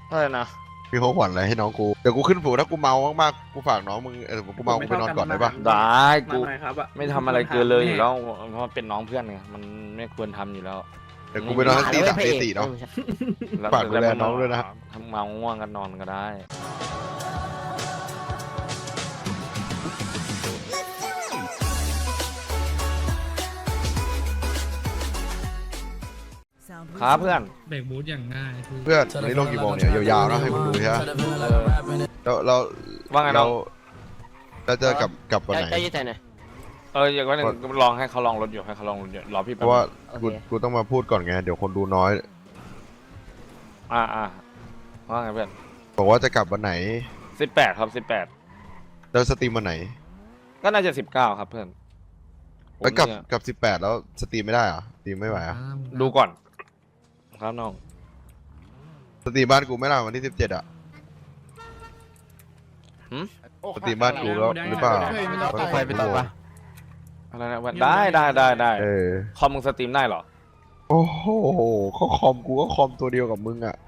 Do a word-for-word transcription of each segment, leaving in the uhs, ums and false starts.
อะไรนะมีของขวัญอะไรให้น้องกูเดี๋ยวกูขึ้นฝูถ้ากูเมามากๆกูฝากน้องมึงเออกูเมากูไปนอนก่อนได้ปะได้กูมาหน่อยครับอะไม่ทำอะไรเกินเลยอยู่แล้วเพราะเป็นน้องเพื่อนไงมันไม่ควรทำอยู่แล้วเดี๋ยวกูไปนอนทั้งตีสามตีสี่เนาะ ฝากดูแลน้องด้วยนะทำเมาง่วงกันนอนก็ได้ครับเพื่อนเบรกบูทอย่างง่ายเพื่อนวันนี้ลงกี่โมงเนี่ยยาวๆนะให้มึงดูใช่ไหมเออเราเราว่าไงน้เราองเราจะกลับกลับวันไหนใจเย็นๆหน่อยเอออย่างว่าหนึ่งลองให้เขาลองรถอยู่ให้เขาลองรถอยู่รอพี่เพแป๊บราะว่าโอเคกูกูต้องมาพูดก่อนไงเดี๋ยวคนดูน้อยอ่าอ่าว่าไงเพื่อนบอกว่าจะกลับวันไหนสิบแปดครับสิบแปดแล้วสตรีมวันไหนก็น่าจะสิบเก้าครับเพื่อนแล้วกลับผมเนี่ยกลับสิบแปดแล้วสตรีมไม่ได้เหรอสตรีมไม่ไหวอ่ะดูก่อนครับน้องสตรีมบ้านกูไม่ได้วันที่สิบเจ็ดอ่ะสตรีมบ้านกูแล้วหรือเปล่าไฟไปตัดปะอะไรนะวันได้ได้ได้ได้เออคอมมึงสตรีมได้เหรอโอ้โหเขาคอมกูก็คอมตัวเดียวกับมึงอ่ะ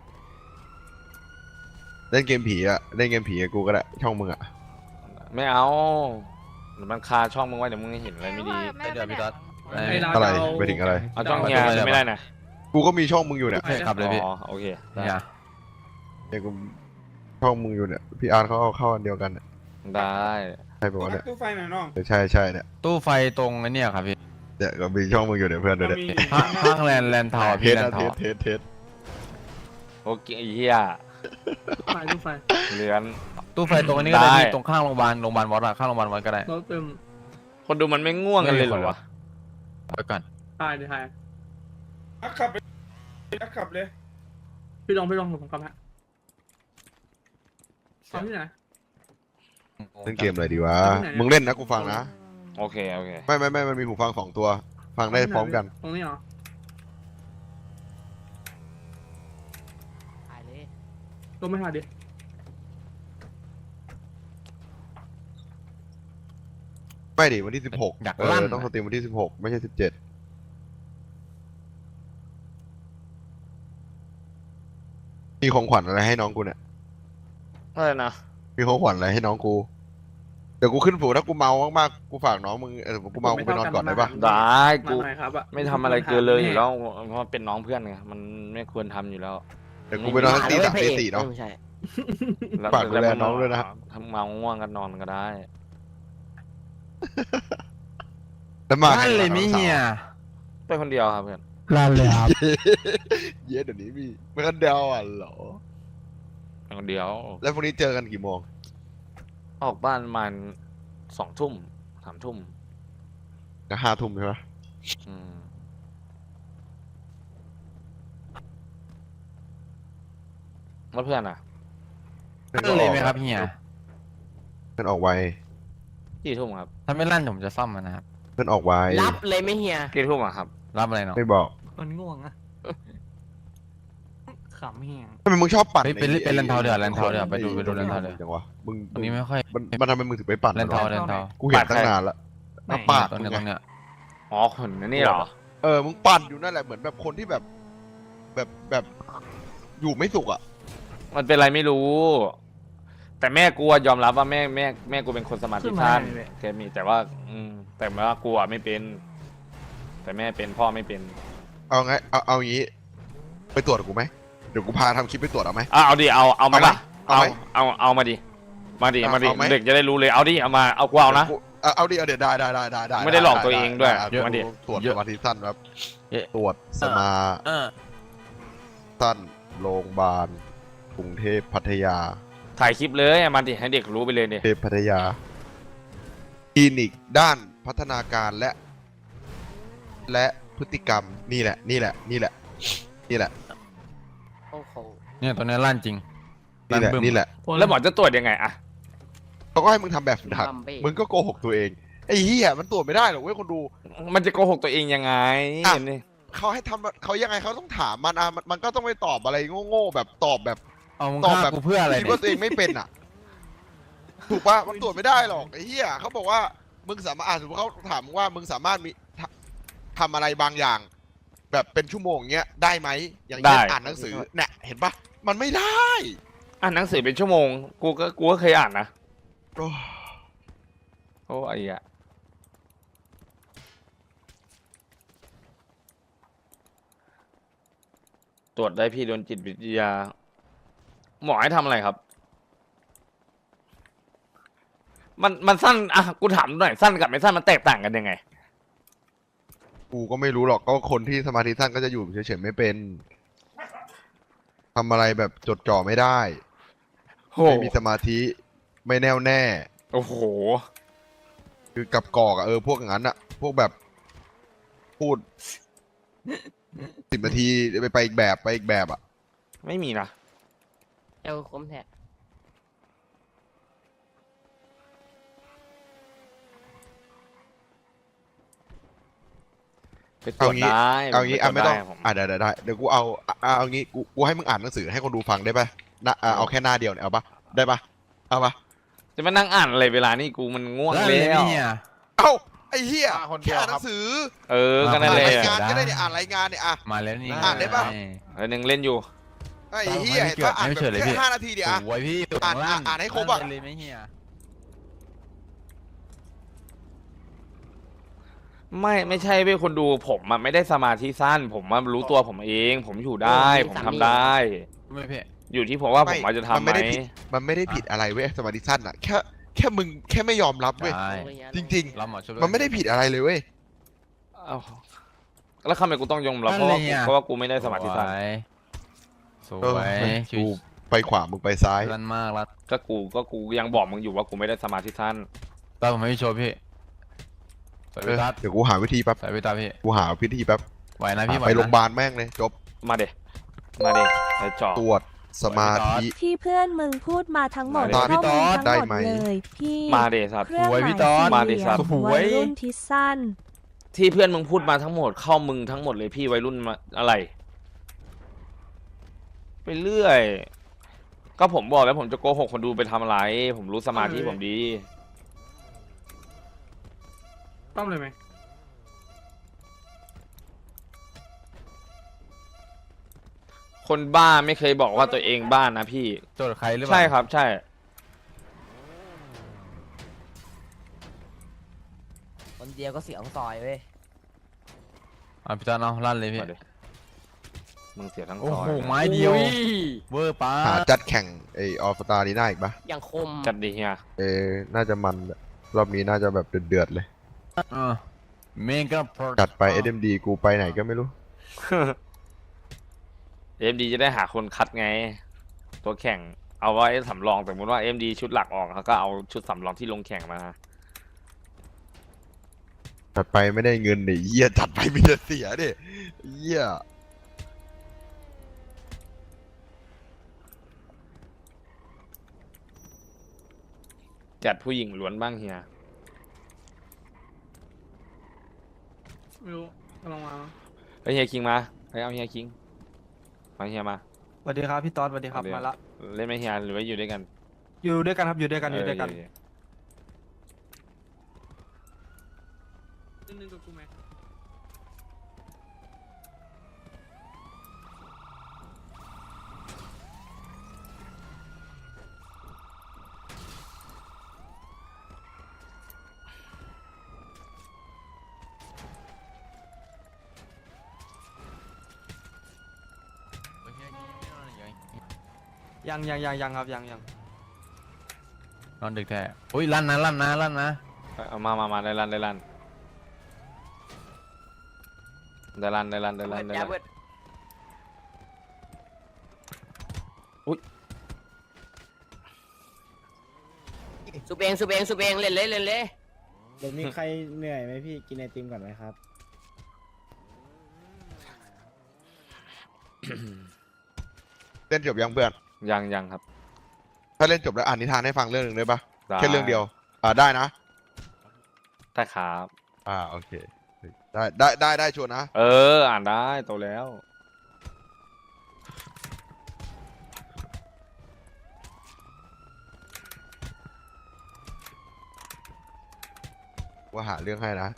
เล่นเกมผีอ่ะเล่นเกมผีกับกูก็ได้ช่องมึงอ่ะไม่เอาเดี๋ยวมันคาช่องมึงไว้เดี๋ยวมึงเห็นอะไรไม่ดีไอเดือดพี่ต๊อดอะไรไปถึงอะไรเอาช่องเฮียจะไม่ได้นะกูก็มีช่องมึงอยู่เนี่ยโอเคครับเลยพี่อ๋อโอเคได้เนี่ยเนี่ยกูช่องมึงอยู่เนี่ยพี่อาร์ตเขาเอาเข้าอันเดียวกันเนี่ยได้ใช่ปะวะเนี่ยตู้ไฟหน่อยน้องเออใช่ใช่เนี่ยตู้ไฟตรงไอ้เนี่ยครับพี่เนี่ยก็มีช่องมึงอยู่เนี่ยเพื่อนด้วยเนี่ยมีห้างห้างแลนด์แลนด์ทาวน์เทพี่สแลนนะด์เททาวสน์เทสเทสโอเคไอ้เฮียตู้ไฟตู้ไฟเลือนตู้ไฟตรงนี้ก็ได้ได้พี่ตรงข้างโรงพยาบาลโรงพยาบาลวัดอะข้างโรงพยาบาลวัดก็ได้รถเติมคนดูมันไม่ง่วงกันเลยเหรอวะไปก่อนตายดิทายอักขับไปอักขับเลยพี่ลองพี่ลองผมกลับฮะทำที่ไหนเล่นเกมอะไรดีวะมึงเล่นนะกูฟังนะโอเคโอเคไม่ไม่ไม่มันมีหูฟังสองตัว ฟังได้พร้อมกันตรงนี้เหรอถ่ายเลยลงไม่ทันดิไม่ดิวันที่สิบหกอยากเอลั่นอต้องสตรีมวันที่สิบหกไม่ใช่สิบเจ็ดมีของขวัญอะไรให้น้องกูเนี่ยอะไรนะมีของขวัญอะไรให้น้องกู เดี๋ยวกูขึ้นฝูถ้ากูเมามากๆกูฝากน้องมึงเออกูเมากูไปนอนก่อนได้ปะได้มากูหน่อยครับอะไม่ทำอะไรเกินเลยอยู่แล้วเพราะเป็นน้องเพื่อนไงมันไม่ควรทำอยู่แล้วเดี๋ยวกูไปนอนทั้งตีสามตีสี่เนาะไม่ใช่แล้วฝากดูแลน้องด้วยนะทำเมาง่วงกันนอนก็ได้แล้วมานั่นเลยมิเฮียไปคนเดียวครับเพื่อนลั่นเลยครับเย้เดี๋ยวนี้มีไม่กันเดียวอ่ะเหรอไปคนเดียวแล้วพรุ่งนี้เจอกันกี่โมงออกบ้านประมาณสองทุ่มสามทุ่มก็ห้าทุ่มใช่ไหมอืมแล้วเพื่อนอ่ะนั่นเลยไหมครับเฮียเพื่อนออกไวกี่ทุ่มครับถ้าไม่ลั่นผมจะซ่อมมันนะครับเพื่อนออกไวรับเลยไหม่เฮียกี่ทุ่มอ่ะครับรับอะไรเนาะไม่บอกมันง่วงอะขำเฮียทำไมมึงชอบปั่นเฮ้ยเป็นเป็นแลนด์ทาวน์เดือดแลนด์ทาวน์เดือดไปดูไปดูแลนด์ทาวน์เดือดจังวะมึงวันนี้ไม่ค่อยมันมันทำไมมึงถึงไปปั่นแลนด์ทาวน์แลนด์ทาวน์กูเห็นตั้งนานละมาปาดตรงมึเนี้งยตรงไงเนี้ยอ๋อคนนี่เหรอเออมึงปั่นอยู่นั่นแหละเหมือนแบบคนที่แบบ แบบแบบอยู่ไม่สุขอ่ะมันเป็นอะไรไม่รู้ แต่แม่กูอะยอมรับว่าแม่แม่แม่กูเป็นคนสมาธิสั้นแกมีแต่ว่า อืม แต่ว่ากูอะไม่เป็น แต่แม่เป็นพ่อไม่เป็นเอาไงเอาเอางี้ ไปตรวจกับกูไหมเดี๋ยวกูพาทำคลิปไปตรวจเอาไหมอ่ะเอาดิเอาเอามาเอาไหมละเอาเอาไหมเอาเอามาดิมาดิเอามาดิเอาไหมเด็กจะได้รู้เลยเอาดิเอามาเอากูเอานะกูเอาเอาดิเอาเดี๋ยวได้ได้ได้ได้ได้ไม่ได้หลอกตัวเองด้วยไไมาดิตรวจสมาธิสั้นครับเยอะตรวจสมาเออสั้นโรงพยาบาลกรุงเทพพัทยาถ่ายคลิปเลยเอามาดิให้เด็กรู้ไปเลยดิเทพพัทยาคลินิกด้านพัฒนาการและ และพฤติกรรมนี่แหละ นี่แหละ นี่แหละ นี่แหละโอ้โหเนี่ยตัวเนี้ยลั่นจริงนี่แหละบึ้มนี่แหละแล้วหมอจะตรวจยังไงอะเขาก็ให้มึงทำแบบฝึกหัดบัมเบ้มึงก็โกหกตัวเองไอ้เหี้ยมันตรวจไม่ได้หรอกเว้ยคนดูมันจะโกหกตัวเองยังไงอ่ะนี่เขาให้ทำเขายังไงเขาต้องถามมันอ่ะมันมันก็ต้องไม่ตอบอะไรโง่ๆแบบตอบแบบเอามึงตอบฆ่าแบบกูเพื่ออะไรคิดเนี่ยว่าตัวเองไม่เป็นอ่ะ ถูกปะมันตรวจไม่ได้หรอกไอ้เหี้ยเขาบอกว่ามึงสามารถอ่ะสมมติเขาถามมึงว่ามึงสามารถมีทำทำอะไรบางอย่าง แบบเป็นชั่วโมงเงี้ยได้ไหมอย่างเช่นอ่านหนังสือเนี่ยเห็นปะมันไม่ได้อ่านหนังสือเป็นชั่วโมง กูก็กูก็เคยอ่านนะโอ้โอ้ไอ้อะตรวจได้พี่โดนจิตวิทยา หมอให้ทำอะไรครับ มันมันสั้นอ่ะกูถามหน่อยสั้นกับไม่สั้นมันแตกต่างกันยังไงกูก็ไม่รู้หรอกก็คนที่สมาธิสั้นก็จะอยู่เฉยๆไม่เป็นทำอะไรแบบจดจ่อไม่ได้โหไม่มีสมาธิไม่แน่วแน่โอ้โหคือกับกอกอะเออพวกอย่างนั้นอะพวกแบบพูดสิบนาทีไปไปอีกแบบไปอีกแบบอะไม่มีนะเจ้าคมแท้ไปตรวจได้เอางี้อ่ะปตรวจไม่ต้องด้ผมอ่ะเดี๋ยวเดี๋ยวได้เดี๋ยวกูเอาอ่ะอ่ะเอางี้กูกูให้มึงอ่านหนังสือให้คนดูฟังได้ปะนะอ่ะเอาแค่หน้าเดียวเนี่ยเอาปะได้ปะเอาปะจะมานั่งอ่านอะไรเวลานี่กูมันง่วงลั่นแล้เลยไหมวเฮียเอ้าไอ้เหี้ยอ่ะคนเดีแค่ยวอ่านหครันับงสือเออก็นั่นอ่านแหละรายงานได้ก็ได้เนี่ยอ่านรายงานเนี่ยอ่ะมาแล้วนี่อ่านได้ปะอันหนึ่งเล่นอยู่ไอ้เหี้ยเห็นปะอ่านไม่แบบเฉยเลยแค่พี่ห้านาทีเดียวอ่ะโอ้ยพี่อ่านลั่อ่านให้ครบอะลั่นเลยไหมเฮียไม่ไม่ใช่เว้ยคนดูผมอะไม่ได้สมาธิสั้น ผมมารู้ตัวผมเอง ผมอยู่ได้ ผมทำได้ไม่พี่อยู่ที่ผมว่าผมอาจจะทำมันไหมไม่ได้ผิดมันไม่ได้ผิดอะไรเว้ยสมาธิสั้นอ่ะแค่แค่มึงแค่ไม่ยอมรับเว้ยใช่จริงเราหมอช่วยๆ มันไม่ได้ผิดอะไรเลยเว้ยเอ้าแล้วทำไมกูต้องยอมรับเพราะว่ากูเพราะว่ากูไม่ได้สมาธิสั้นสวเออยชิกูวไปขวามึงไปซ้ายลั่นมากแล้วก็กูก็กูยังบอกมึงอยู่ว่ากูไม่ได้สมาธิสั้นตาผมไม่โชว์พี่สวยเอพี่อตัดเดี๋ยวกูหาวิธีแป๊บสวยพี่ตาพี่กูหาวิธีแป๊บไหวนะพี่ไหวไปนะโรงพยาบาลแม่งเลยจบมาเดมาเดไอ้จอตรวจสมาธิที่เพื่อนมึงพูดมาทั้งหมดมาดิข้อมูลทั้งได้หมดไหมเลยพี่มาเดสัตว์เครื่องหมายพี่ตอดมาดิสี่เหสัลี่ตว์ยมวัยรุ่นที่สั้นที่เพื่อนมึงพูดมาทั้งหมดเข้ามึงทั้งหมดเลยพี่วัยรุ่นมาอะไร ไปเรื่อย ก็ผมบอกแล้วผมจะโกหกคนดูไปทำอะไร ผมรู้สมาธิผมดีต้อมเลยไหมคนบ้าไม่เคยบอกว่าตัวเองบ้านะพี่โจทย์ใครหรือเปล่าใช่ครับ ใช่คนเดียวก็เสียงซอยเว้ยอ่ะพี่ตัดเอาลั่นเลยพี่มาดิมึงเสียทั้งโอ้ซอยโหนะไม้เดียวอุ้เวอร์ป้าหาจัดแข่งไอออฟตาลีน่าอีกปะอย่างคมจัดดีเฮียเออน่าจะมันรอบนี้น่าจะแบบเดือดๆเลยเออเมกะโปรจัดไป เอส เอ็ม ดี กูไปไหนก็ไม่รู้เอ็มดีจะได้หาคนคัดไง ตัวแข่ง เอาไว้สำรองสมมติว่าเอ็มดีชุดหลักออกเขาก็เอาชุดสำรองที่ลงแข่งมาจัดไปไม่ได้เงินดิเหี้ยจัดไปมีแต่เสียดิเหี้ยจัดผู้หญิงล้วนบ้างเฮียไม่รู้กำลังมาไปเฮียคิงมาไปเอาเฮียคิงมาเฮียมาสวัสดีครับพี่ต๊อดสวัสดีครับเดี๋ยวมาละเล่นไหมเฮียหรือว่าอยู่ด้วยกันอยู่ด้วยกันครับอยู่ด้วยกันอยู่ด้วยกันเออเล่นหนึ่งกับกูไหมยังยังยังยังครับยังยังนอนดึกแท้อุ้ยลั่นนะลั่นนะลั่นนะเอามามามาได้รันได้รันได้รันได้รันได้รันได้แย่รันเว้ยอุ๊ยสุบเองสุบเองสุบเองเล่นเลยเล่นเลยเดี๋ยวมีใครเหนื่อยไหมพี่กินไอติมก่อนไหมครับเล่นจบยังเพื่อนยังยังครับถ้าเล่นจบแล้วอ่านนิทานให้ฟังเรื่องหนึ่งได้ปะได้แค่เรื่องเดียว อ่าได้นะได้ครับอ่าโอเค ได้ได้ได้ได้ชวนนะเออ อ่านได้โตแล้วว่าหาเรื่องให้นะ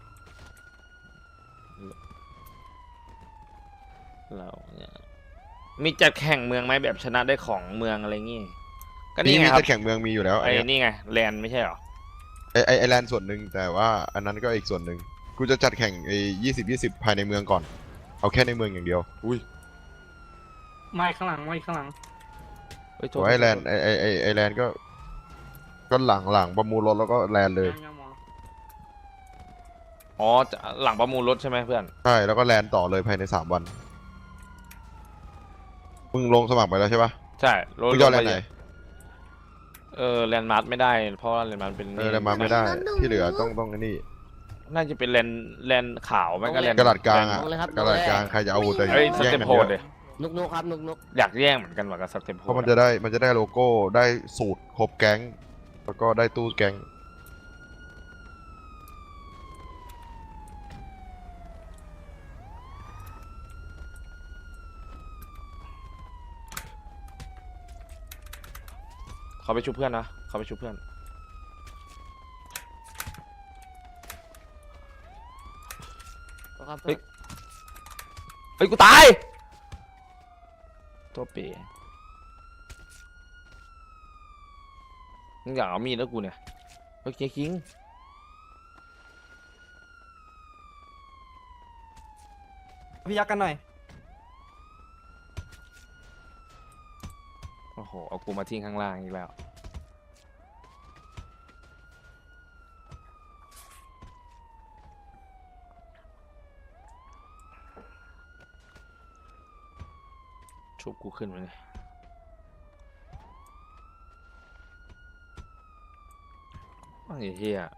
เราเนี่ยมีจัดแข่งเมืองไหมแบบชนะได้ของเมืองอะไรงี้ก็นี่นี่ไงมีครับจะแข่งเมืองมีอยู่แล้วไอ้ไอ้นี่ไงแลนด์ไม่ใช่เหรอไอ้ไอ้ไอ้แลนด์ส่วนหนึ่งแต่ว่าอันนั้นก็อีกส่วนหนึ่งกูจะจัดแข่งไอ้ยี่สิบยี่สิบภายในเมืองก่อนเอาแค่ในเมืองอย่างเดียวอุ้ยไม่ข้างหลังไม่ข้างหลังเฮ้ยโทตัษวไอ้แลนด์ไอ้ไอ้ไอ้ไอ้แลนด์ก็ ก็หลังหลังประมูลรถแล้วก็แลนด์เลยยังยังหมออ๋อจะหลังประมูลรถใช่ไหมเพื่อนใช่แล้วก็แลนด์ต่อเลยภายในสามวันมึงลงสมัครไปแล้วใช่ปะใช่รถมึงจะเอาแลนด์ไหนเออแลนด์มาร์ทไม่ได้เพราะว่าแลนด์มาร์ทเป็นเออแลนด์มาไม่ได้ที่เหลือต้องต้องไอ้นี่น่าจะเป็นแลนด์แลนด์ขาวไม่ก็แลนด์กระดาษกลางอ่ะลงเลยครับกระดาษกลางใครจะเอาแต่เอ้ยสแย่งเต็ปกันโพเยดอะเลยนุกนุกครับนุกนุกอยากแย่งเหมือนกันว่ะกับสเต็ปโพเพราะมันจะได้มันจะได้โลโก้ได้สูตรครบแก๊ง แล้วก็ได้ตู้แก๊งเขาไปชุบเพื่อนนะเขาไปชุบเพื่อนครับเฮ้ย เฮ้ยกูตาย ตัวเป๋มึงอยากเอามีดแล้วกูเนี่ยเฮ้ยเจ๊คิงพี่ยักษ์กันหน่อยโอ้โหเอากูมาทิ้งข้างล่างอีกแล้วชุบกูขึ้นมาเลยว่าไอ้เหี้ย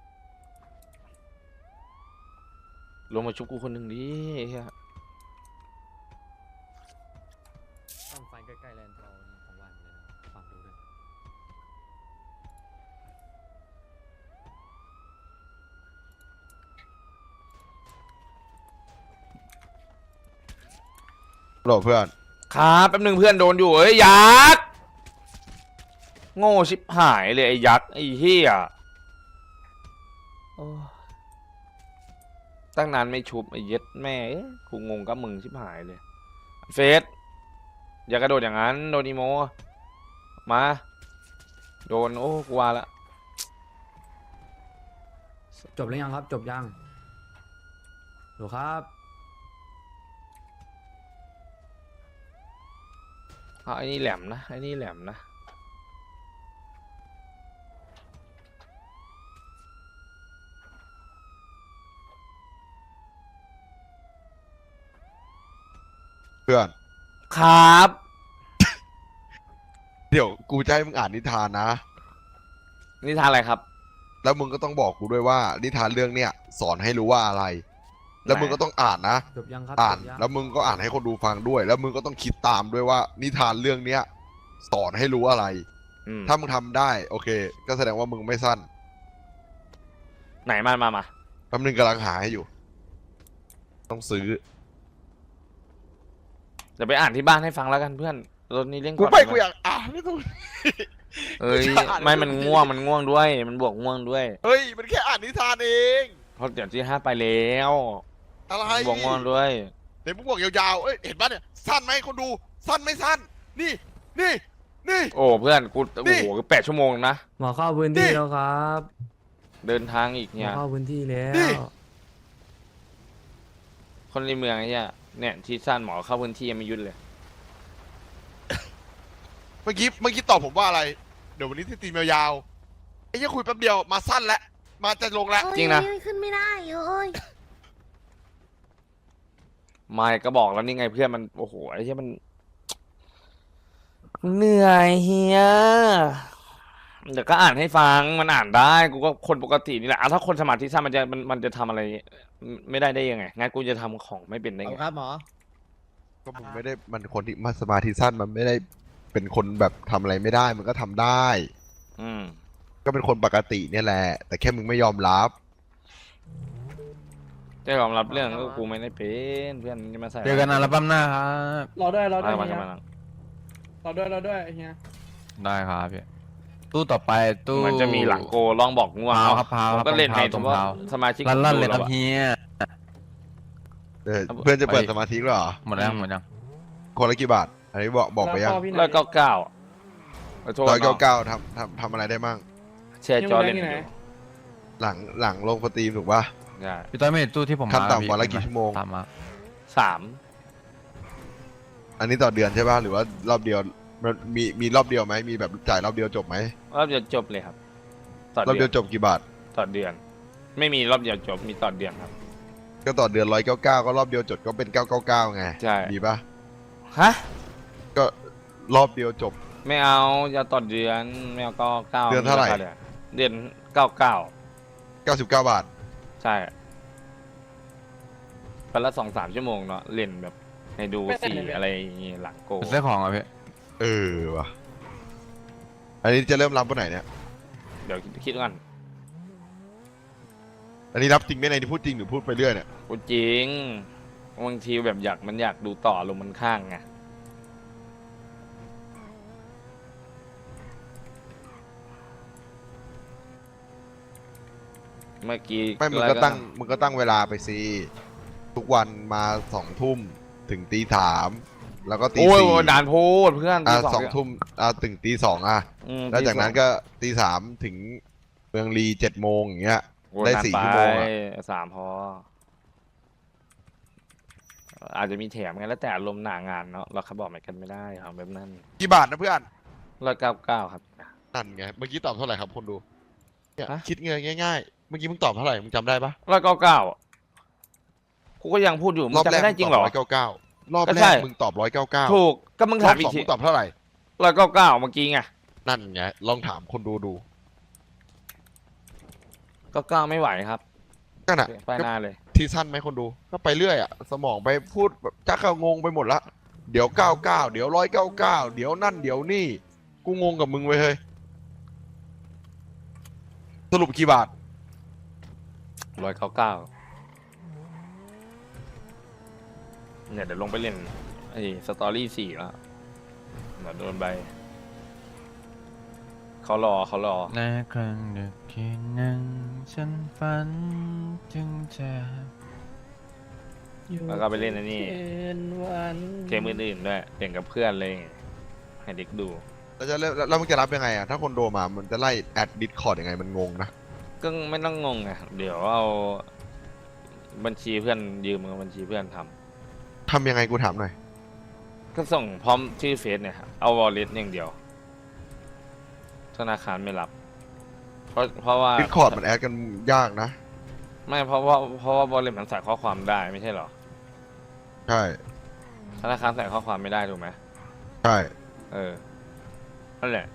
ลงมาชุบกูคนหนึ่งดิไอ้เหี้ยต้องไฟใกล้ๆแลนด์เราของวันเลยนะฟังดูด้วยโหลเพื่อนครับแป๊บหนึงเพื่อนโดนอยู่เอ้ยยักษ์โง่ชิบหายเลยไอ้ยักษ์ไอ้เหี้ยโอ้ตั้งนานไม่ชุบไอ้เย็ดแม่เอ้ยกูงงกับมึงชิบหายเลยเฟสอย่ากระโดดอย่างนั้นโดนอีโมมาโดนโอ้กูว่าละจบหรือยังครับ จบยังดูครับเอาไอ้นี่แหลมนะไอ้นี่แหลมนะเพื่อนครับเดี๋ยวกูจะให้มึงอ่านนิทานนะนี่ทานอะไรครับแล้วมึงก็ต้องบอกกูด้วยว่านิทานเรื่องเนี้ยสอนให้รู้ว่าอะไร แล้วมึงก็ต้องอ่านนะจบยังครับอ่านจบยังแล้วมึงก็อ่านให้คนดูฟังด้วย แล้วมึงก็ต้องคิดตามด้วยว่า นิทานเรื่องเนี้ยสอนให้รู้อะไรอืมถ้ามึงทำได้ โอเค ก็แสดงว่ามึงไม่สั้นไหนมามามาแป๊บนึงกำลังหาให้อยู่ ต้องซื้อเดี๋ยวไปอ่านที่บ้านให้ฟังแล้วกันเพื่อนรถนี้เล่นกูก่อนไปด้หมกูอยากอ่านไม่ต้องเอ้ยกูจะอ่านไม่มันง่วงมันง่วงด้วย มันบวกง่วงด้วยเฮ้ย มันแค่อ่านนิทานเองเพราะเดี๋ยวที่ห้าไปแล้วอะไรมันบวกง่วงด้วยเดี๋ยวมึงบอกยาวๆ เอ้ย เห็นปะเนี่ย สั้นไหมคนดู สั้นไม่สั้น นี่ นี่ นี่โอ้เพื่อนกูนี่โอ้โหแปดชั่วโมงนะหมอเข้าพื้นนี่ที่แล้วครับเดินทางอีกหมเนี่อย เข้าพื้นที่แล้วนี่คนในเมืองไอ้เนี่ยเนี่ยที่สั้นหมอเข้าพื้นที่ยังไม่หยุดเลยเมื่อกี้ เมื่อกี้ตอบผมว่าอะไร เดี๋ยววันนี้ที่ตีมยาวๆไอ้เหี้ยคุยแป๊บเดียว มาสั้นแล้ว มาจะลงแล้วจริงนะโอ้ยขึ้นไม่ได้โอ้ยไม่ก็บอกแล้วนี่ไงเพื่อนมันโอ้โหไอ้เหี้ยมันเหนื่อยเฮียเดี๋ยวก็อ่านให้ฟังมันอ่านได้กูก็คนปกตินี่แหละอ่ะถ้าคนสมาธิสั้นมันจะมันมันจะทำอะไรไม่ได้ได้ยังไงงั้นกูจะทำของไม่เป็นได้เอาไงครับหมอก็มึงไม่ได้ มันคนที่มาสมาธิสั้นมันไม่ได้เป็นคนแบบทำอะไรไม่ได้ มันก็ทำได้อืมก็เป็นคนปกติเนี่ยแหละ แต่แค่มึงไม่ยอมรับจะยอมรับเรื่องก็กูไม่ได้เป็นเพื่อนมึงจะมาใส่เจอกันอัลบั้มหน้าครับรอด้วยรอด้วยมาเฮีมาย มารอด้วยรอด้วยเฮียได้ครับพี่ตู้ต่อไปตู้มันจะมีหลังโกลองบอกง่วงพาวเอาครับพาวผมก็เล่นให้ตสรมงมติว่าพาวสมาชิกลั่นลั่นๆเลยดูครับแวอะเฮียเออเพื่อนจะเปิดสมาธิแล้วเหรอหมดแล้วหมดยังคนละกี่บาทอันนี้บอกบอกไปยังแล้วพ่อพี่ไหนร้อยเก้าเก้าขอโทษร้อยเก้าน้องเก้าทำทำทำอะไรได้มั่งแชร์จอเล่นยังอไงยู่หลังหลังลงสตรีมถูกปะใช่พี่ต้อยไม่เห็นตู้ที่ผมขั้นมาต่ำวันละพี่กี่ชั่วโมงตามมาสามอันนี้ต่อเดือนใช่ปะหรือว่ารอบเดียวมันมีมีรอบเดียวไหมมีแบบจ่ายรอบเดียวจบไหมรอบเดียวจบเลยครับต่อรอบเดืเดีอยวน จบกี่บาทต่อเดือน ไม่มีรอบเดียวจบมีต่อเดือนครับก็ต่อเดือนร้อยเก้าเก้าก็รอบเดียวจบก็เป็นเก้าเก้าเก้าไงใช่ดีปะฮะก็รอบเดียวจบไม่เอาจะต่อเดือนไม่เอาเก้าเก้าเดือนเท่าไหร่เดือนเก้าเก้าเก้าสิบเก้าบาทใช่วันละสองสามชั่วโมงเนาะเล่นแบบให้ดูสีอะไรอย่างงี้หลังโกเป็นเสื้อของอ่ะพี่เออว่ะอันนี้จะเริ่มรับวันไหนเนี่ยเดี๋ยวคิดก่อนอันนี้รับจริงไหมในที่พูดจริงหรือพูดไปเรื่อยเนี่ยกูจริงบางทีแบบอยากมันอยากดูต่อลงมันข้างไงเมื่อกี้ไม่มึงก็ตั้งมึงก็ตั้งเวลาไปสิทุกวันมาสองทุ่มถึงตีสามแล้วก็ตีโอ้ยสี่โอ้ยนานโพูดเพื่อนอ่ะตีสองทุ่มอ่ะถึงตีสองอ่ะอืมแล้วจากนั้นตีสองก็ตีสามถึงเมืองลีเจ็ดโมงอย่างเงี้ยโอ้ยได้นานสี่ไปชั่วโมงอะสามพอ อาจจะมีแถมไงแล้วแต่อารมณ์หนางานเนาะเราขับบอกไม่กันไม่ได้ครับแบบนั้นกี่บาทนะเพื่อนร้อยเก้าเก้าครับนั่นไงเมื่อกี้ตอบเท่าไหร่ครับคนดูเนี่ยฮะคิดเงินง่ายๆ เมื่อกี้มึงตอบเท่าไหร่มึงจำได้ปะร้อยเก้าเก้ากูก็ยังพูดอยู่มึงจำไม่ได้จริงเหรอร้อยเก้าเก้ารอบก็แรใช่กมึงตอบร้อยเก้าเก้าถูกก็มึงรอถาบมอีสกองทีมึงตอบเท่าไหร่ร้อยเก้าเก้าเมื่อกี้ไงนั่นไงลองถามคนดูดูเก้าเก้าไม่ไหวครับก็น่ะไปหน้าเลยทีสั้นไหมคนดู ก็ไปเรื่อยอ่ะสมองไปพูดแบบจักเขางงไปหมดละเดี๋ยวเก้าเก้าเดี๋ยวร้อยเก้าเก้าเดี๋ยวนั่นเดี๋ยวนี่กูงงกับมึงไว้ยเฮ้ยสรุปกี่บาทร้อยเก้าเก้าเนี่ยเดี๋ยวลงไปเล่นไอ้สตอรี่สี่แล้วเดี๋ยวโดนใบเขารอเขารอในครั้งดึกคืนหนึ่งฉันฝันถึงเธอแล้วก็ไปเล่นอันนี้เป็นวันเกมอื่นๆด้วยเล่นกับเพื่อนเลยให้เด็กดูแล้วจะเริ่มแล้วมึงจะรับยังไงอ่ะถ้าคนโดมามันจะไล่แอดดิสคอร์ดยังไงมันงงนะก็ไม่ต้องงงไงเดี๋ยวเอาบัญชีเพื่อนยืมกับบัญชีเพื่อนทำทำยังไงกูถามหน่อยก็ส่งพร้อมชื่อเฟซเนี่ยครับเอาวอลเล็ตอย่างเดียว ธนาคารไม่รับ เพราะเพราะว่าดิสคอร์ดมันแอดกันยากนะไม่เพราะว่าเพราะว่าวอลเล็ตมันใส่ข้อความได้ไม่ใช่เหรอใช่ธนาคารใส่ข้อความไม่ได้ถูกไหมใช่เออนั่นแหละ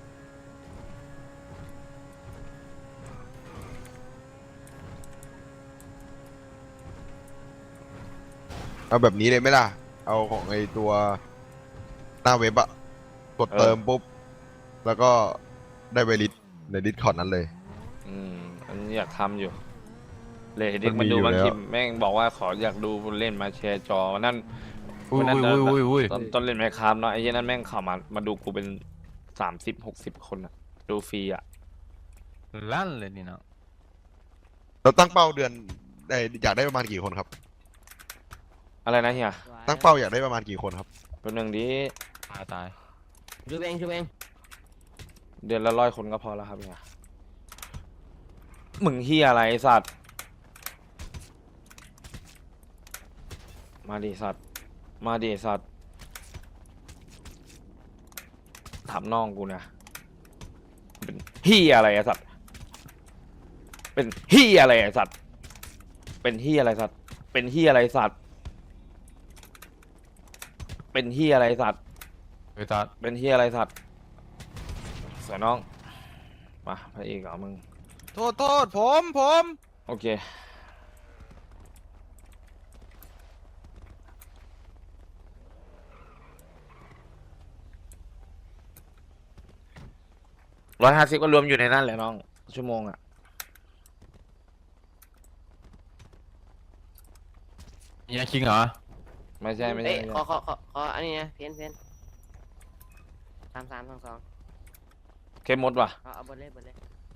เอาแบบนี้เลยไหมล่ะ เอาของไอตัวหน้าเว็บอะกดเติมปุ๊บ แล้วก็ได้ไวริสในดิสคอร์ดนั้นเลยอืมอันนี้อยากทำอยู่ เลยเด็กมัมานมีดูอยู่บางแล้วทีแม่งบอกว่าขออยากดูเล่นมาแชร์จอวันนั่นอุ้ยวันนั้นอุ้ยอุ้ยอุ้ยตอนตอนเล่นแมคคามเนาะไอ้เหี้ยนั่นแม่งเข้ามามาดูกูเป็นสามสิบหกสิบคนอะดูฟรีอะลั่นเลยนี่เนาะเราตั้งเป้าเดือนได้อยากได้ประมาณกี่คนครับอะไรนะเฮียตั้งเป้าอยากได้ประมาณกี่คนครับตัวหนึ่งดีตายตายชูเองชูเองเดือนละร้อยคนก็พอแล้วครับเฮียมึงเฮียอะไรไอ้สัตว์มาดิสัตว์มาดิสัตว์ถามน้องกูนะเป็นเฮียอะไรไอ้สัตว์เป็นเฮียอะไรไอ้สัตว์เป็นเฮียอะไรสัตว์เป็นเฮียอะไรสัตว์เป็นเฮียอะไรสัตว์ไปตัดเป็นเฮียอะไรสัตว์สวยน้องมาพระเอกเหรอมึงโทษโทษผมผมโอเคร้อยห้าสิบก็รวมอยู่ในนั้นแหละน้อง ชั่วโมงอ่ะยังคิงเหรอไม่ใช่ไม่ใช่เอ้ยไม่ขอใช่ขอขอขออันนี้นะเพนเพนสามสามสองสองเข้มมดว่ะเอาเอาบนเลยบนเลย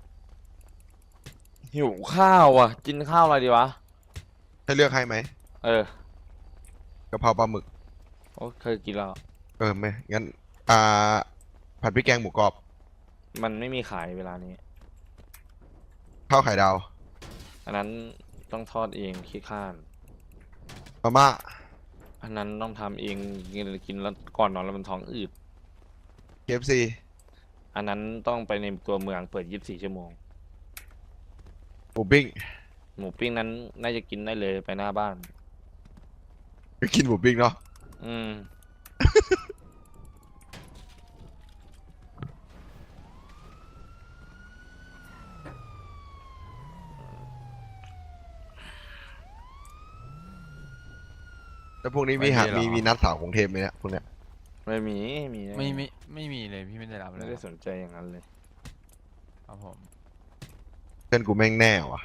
หิวข้าวอ่ะ กินข้าวอะไรดีวะให้เลือกให้ไหมเออกะเพราปลาหมึกโอ้เคยกินแล้วเเออไม่งั้นอ่าผัดพริกแกงหมูกรอบมันไม่มีขายเวลานี้ข้าวไข่ดาวอันนั้นต้องทอดเองขี้ข้านมาม่าอันนั้นต้องทำเองกินกินแล้วก่อนนอนแล้วมันท้องอืดเค เอฟ ซีอันนั้นต้องไปในตัวเมืองเปิดยี่สิบสี่ชั่วโมงหมูปิ้งหมูปิ้งนั้นน่าจะกินได้เลยไปหน้าบ้านไปกินหมูปิ้งเนาะอืมแล้วพวกนี้มีหามีมีนัดสาวกรุงเทพไหมเนี่ยพวกเนี้ยไม่มีมีไม่ไม่ไม่มีเลยพี่ไม่ได้รับเลไม่ยได้สนใจอย่างนั้นเลยครับผมเพื่อนกูแม่งแน่ว่ะ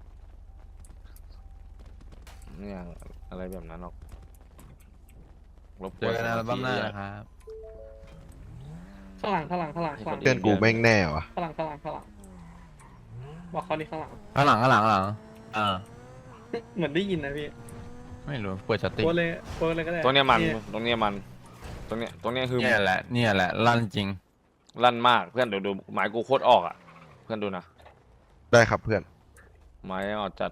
เนี่ยอะไรแบบนั้นหรอกรบกเจวอน กันสอัลมาบั้มธิหน้าอะนะครับข้างหลังข้างหลังข้างหลังข้างหลังเพื่อนกูแม่งแน่ว่ะข้างหลังข้างหลังข้างหลังบอกเขาดิข้างหลังข้างหลังข้างหลังข้างหลังอ่าเหมือนได้ยินนะพี่ไม่รู้เปิดสติโพสเลยโพสเลยก็ได้ตัวเนี้ยมันตรงเนี้ยมันตรงเนี้ยตรงเนี้ยคือเนี่ยแหละเนี่ยแหละลั่นจริงลั่นมากเพื่อนเดี๋ยวดูหมายกูโคตรออกอ่ะ เพื่อนดูนะได้ครับเพื่อนหมายออกจัด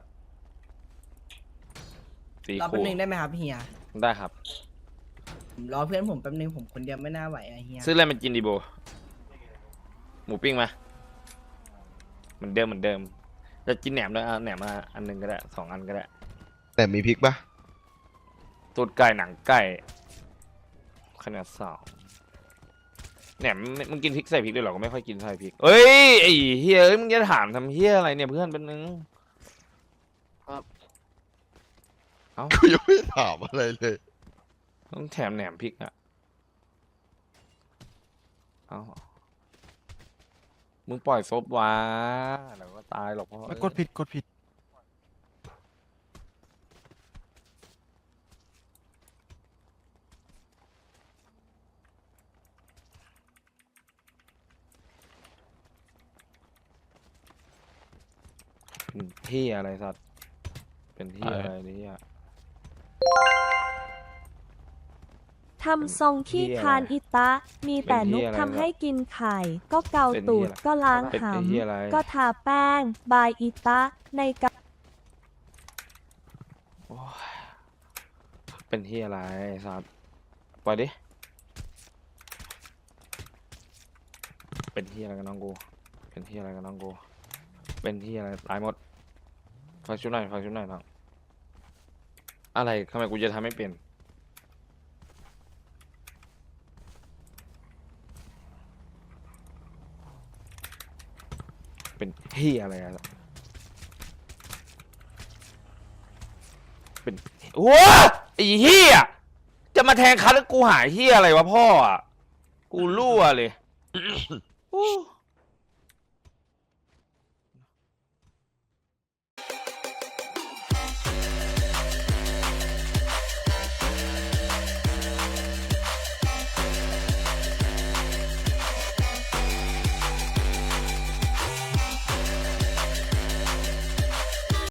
ตีรอคู่แป๊บนึงได้ไหมครับเฮียได้ครับผมรอเพื่อนผมแป๊บนึงผมคนเดียวไม่น่าไหวอะเฮียซื้ออะไรมากินดีโบ หมูปิ้งไหมเหมือนเดิมเหมือนเดิม จะกินแหนมด้วยอ่ะแหนมมาอันหนึงก็ได้สองอันก็ได้แต่มีพริกปะตูดไก่หนังไก่ขนาดสองแหนมไม่มึงกินพริกใส่พริกด้วยเหรอก็ไม่ค่อยกินใส่พริกเอ้ยไอ้เฮียเอ้ยมึงจะถามทำเฮียอะไรเนี่ยเพื่อนเป็นนึงกูยังไม่ถามอะไรเลยต้องแถมแหนมพริกอ่ะเอามึงปล่อยซบวะเดี๋ยวก็ตายหรอกเพราะกดผิดกดผิดเป็นที่อะไรสัตว์เป็นที่อะไรเนี่ยทำทรงขี้คานอิตะ มีแต่นุกทำให้กินไข่ ก็เกาตูดก็ล้างเป็นหไอ้ที่อะไรำก็ทาแป้ง บายอิตะ ในกะโอ้ยเป็นที่อะไรสัตว์ปล่อยดิเป็นที่อะไรกันน้องกูเป็นที่อะไรกันน้องกูเป็นที่อะไรตายหมดฟังชุดหน่อยฟังชุดหน่อยน้องอะไรทำไมกูจะทำไม่เป็นเป็นที่อะไรอะเป็นโอ้ไอ้เหี้ยจะมาแทงคัดแล้วกูหายเหี้ยอะไรวะพ่ออ่ะกูรั่วเลย โอ้